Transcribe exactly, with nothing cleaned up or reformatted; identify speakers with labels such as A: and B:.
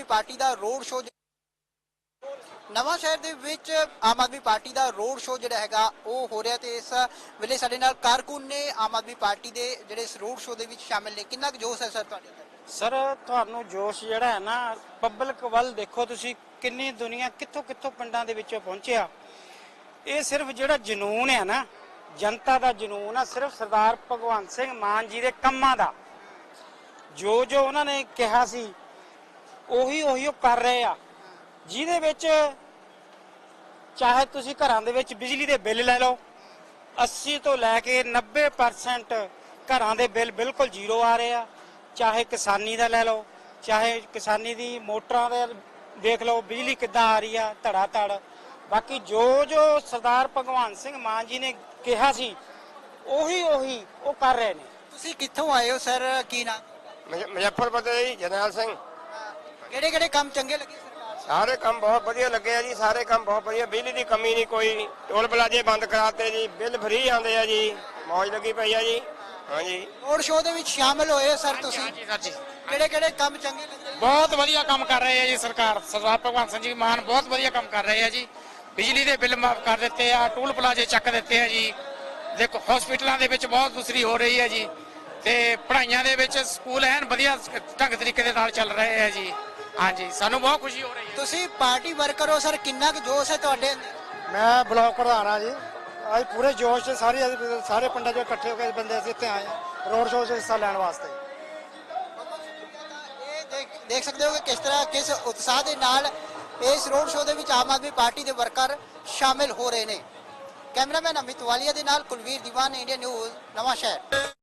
A: ਆਦਮੀ party ਦਾ road show Nawanshahr ਦੇ ਵਿੱਚ ਆਮ ਆਦਮੀ ਪਾਰਟੀ ਦਾ ਰੋਡ ਸ਼ੋਅ ਜਿਹੜਾ ਹੈਗਾ ਉਹ ਹੋ ਰਿਹਾ ਤੇ ਇਸ ਵੇਲੇ ਸਾਡੇ ਨਾਲ ਕਾਰਕੁਨ ਨੇ ਆਮ ਆਦਮੀ ਪਾਰਟੀ ਦੇ ਜਿਹੜੇ ਇਸ ਰੋਡ ਸ਼ੋਅ ਦੇ ਵਿੱਚ ਸ਼ਾਮਿਲ ਨੇ। ਕਿੰਨਾ ਕੁ ਜੋਸ਼ ਹੈ ਸਰ ਤੁਹਾਡੇ ਅੰਦਰ?
B: ਸਰ ਤੁਹਾਨੂੰ ਜੋਸ਼ ਜਿਹੜਾ ਹੈ ਨਾ ਪਬਲਿਕ ਵੱਲ ਦੇਖੋ ਤੁਸੀਂ, ਕਿੰਨੀ ਦੁਨੀਆ ਕਿੱਥੋਂ ਕਿੱਥੋਂ ਪਿੰਡਾਂ ਦੇ ਵਿੱਚੋਂ ਪਹੁੰਚਿਆ। ਇਹ ਸਿਰਫ ਜਿਹੜਾ ਜਨੂਨ ਹੈ ਨਾ, ਜਨਤਾ ਦਾ ਜਨੂਨ ਆ, ਸਿਰਫ ਸਰਦਾਰ ਭਗਵੰਤ ਸਿੰਘ ਮਾਨ ਜੀ ਦੇ ਕੰਮਾਂ ਦਾ। ਜੋ ਜੋ ਉਹਨਾਂ ਨੇ ਕਿਹਾ ਸੀ ਉਹੀ ਉਹੀ ਉਹ ਕਰ ਰਹੇ ਆ, ਜਿਹਦੇ ਵਿੱਚ ਚਾਹੇ ਤੁਸੀਂ ਘਰਾਂ ਦੇ ਵਿੱਚ ਬਿਜਲੀ ਦੇ ਬਿੱਲ ਲੈ ਲਓ, अस्सी ਤੋਂ ਲੈ ਕੇ ਨੱਬੇ ਪਰਸੈਂਟ ਘਰਾਂ ਦੇ ਬਿੱਲ ਬਿਲਕੁਲ ਜ਼ੀਰੋ ਆ ਰਹੇ ਆ। ਚਾਹੇ ਕਿਸਾਨੀ ਦਾ ਲੈ ਲਓ, ਚਾਹੇ ਕਿਸਾਨੀ ਦੀ ਮੋਟਰਾਂ ਦੇ ਦੇਖ ਲਓ, ਬਿਜਲੀ ਕਿੱਦਾਂ ਆ ਰਹੀ ਆ ਧੜਾ ਧੜ। ਬਾਕੀ ਜੋ ਜੋ ਸਰਦਾਰ ਭਗਵੰਤ ਸਿੰਘ ਮਾਨ ਜੀ ਨੇ ਕਿਹਾ ਸੀ ਉਹੀ ਉਹੀ ਉਹ ਕਰ ਰਹੇ ਨੇ।
A: ਤੁਸੀਂ ਕਿੱਥੋਂ ਆਏ ਹੋ ਸਰ? ਕੀ ਨਾਮ?
C: ਮੁਜ਼ੱਫਰਪੁਰ ਦੇ ਜੀ, ਜਰਨੈਲ ਸਿੰਘ।
A: ਕਿਹੜੇ ਕਿਹੜੇ ਕੰਮ ਚੰਗੇ ਲੱਗੇ ਸਰਕਾਰ?
C: ਸਾਰੇ ਕੰਮ ਬਹੁਤ ਵਧੀਆ ਲੱਗੇ ਆ ਜੀ, ਸਾਰੇ ਕੰਮ ਬਹੁਤ ਵਧੀਆ। ਬਿਜਲੀ ਦੀ ਕਮੀ ਨਹੀਂ ਕੋਈ, ਟੋਲ ਪਲਾਜ਼ੇ ਬੰਦ ਕਰਾਤੇ ਜੀ, ਬਿੱਲ ਫ੍ਰੀ ਆਉਂਦੇ ਆ ਜੀ, ਮੌਜ ਲੱਗੀ ਪਈ ਆ ਜੀ। ਹਾਂਜੀ,
A: ਰੋਡ ਸ਼ੋਅ ਦੇ ਵਿੱਚ ਸ਼ਾਮਿਲ ਹੋਏ ਸਰ ਤੁਸੀਂ,
D: ਹਾਂਜੀ ਸਰ ਜੀ,
A: ਕਿਹੜੇ ਕਿਹੜੇ ਕੰਮ ਚੰਗੇ ਲੱਗੇ?
D: ਬਹੁਤ ਵਧੀਆ ਕੰਮ ਕਰ ਰਹੇ ਆ ਜੀ ਸਰਕਾਰ। ਸਰਦਾਰ ਭਗਵੰਤ ਸਿੰਘ ਜੀ ਮਾਨ ਬਹੁਤ ਵਧੀਆ ਕੰਮ ਕਰ ਰਹੇ ਆ ਜੀ। ਬਿਜਲੀ ਦੇ ਬਿੱਲ ਮਾਫ ਕਰ ਦਿੱਤੇ ਆ, ਟੋਲ ਪਲਾਜ਼ੇ ਚੱਕ ਦਿੱਤੇ ਆ ਜੀ। ਦੇਖੋ ਹਸਪੀਟਲਾਂ ਦੇ ਵਿੱਚ ਬਹੁਤ ਦੂਸਰੀ ਹੋ ਰਹੀ ਹੈ ਜੀ, ਤੇ ਪੜ੍ਹਾਈਆਂ ਦੇ ਵਿੱਚ ਸਕੂਲ ਐਨ ਵਧੀਆ ਢੰਗ ਤਰੀਕੇ ਦੇ ਨਾਲ ਚੱਲ ਰਹੇ ਆ ਜੀ। ਹਾਂਜੀ, ਸਾਨੂੰ ਬਹੁਤ ਖੁਸ਼ੀ ਹੋ ਰਹੀ ਹੈ।
A: ਤੁਸੀਂ ਪਾਰਟੀ ਵਰਕਰ ਹੋ ਸਰ, ਕਿੰਨਾ ਕੁ ਜੋਸ਼ ਹੈ ਤੁਹਾਡੇ ਅੰਦਰ?
B: ਮੈਂ ਬਲਾਕ ਪ੍ਰਧਾਨ ਆ ਜੀ। ਅੱਜ ਪੂਰੇ ਜੋਸ਼ ਚ ਸਾਰੇ ਸਾਰੇ ਪਿੰਡਾਂ ਚੋਂ ਇਕੱਠੇ ਹੋ ਕੇ ਬੰਦੇ ਅਸੀਂ ਇੱਥੇ ਆਏ ਹਾਂ ਰੋਡ ਸ਼ੋਅ 'ਚ ਹਿੱਸਾ ਲੈਣ ਵਾਸਤੇ।
A: ਇਹ ਦੇਖ ਦੇਖ ਸਕਦੇ ਹੋ ਕਿ ਕਿਸ ਤਰ੍ਹਾਂ ਕਿਸ ਉਤਸ਼ਾਹ ਦੇ ਨਾਲ ਇਸ ਰੋਡ ਸ਼ੋਅ ਦੇ ਵਿੱਚ ਆਮ ਆਦਮੀ ਪਾਰਟੀ ਦੇ ਵਰਕਰ ਸ਼ਾਮਿਲ ਹੋ ਰਹੇ ਨੇ। ਕੈਮਰਾਮੈਨ ਅਮਿਤ ਵਾਲੀਆ ਦੇ ਨਾਲ ਕੁਲਵੀਰ ਦੀਵਾਨ, ਇੰਡੀਅਨ ਨਿਊਜ਼, ਨਵਾਂ ਸ਼ਹਿਰ।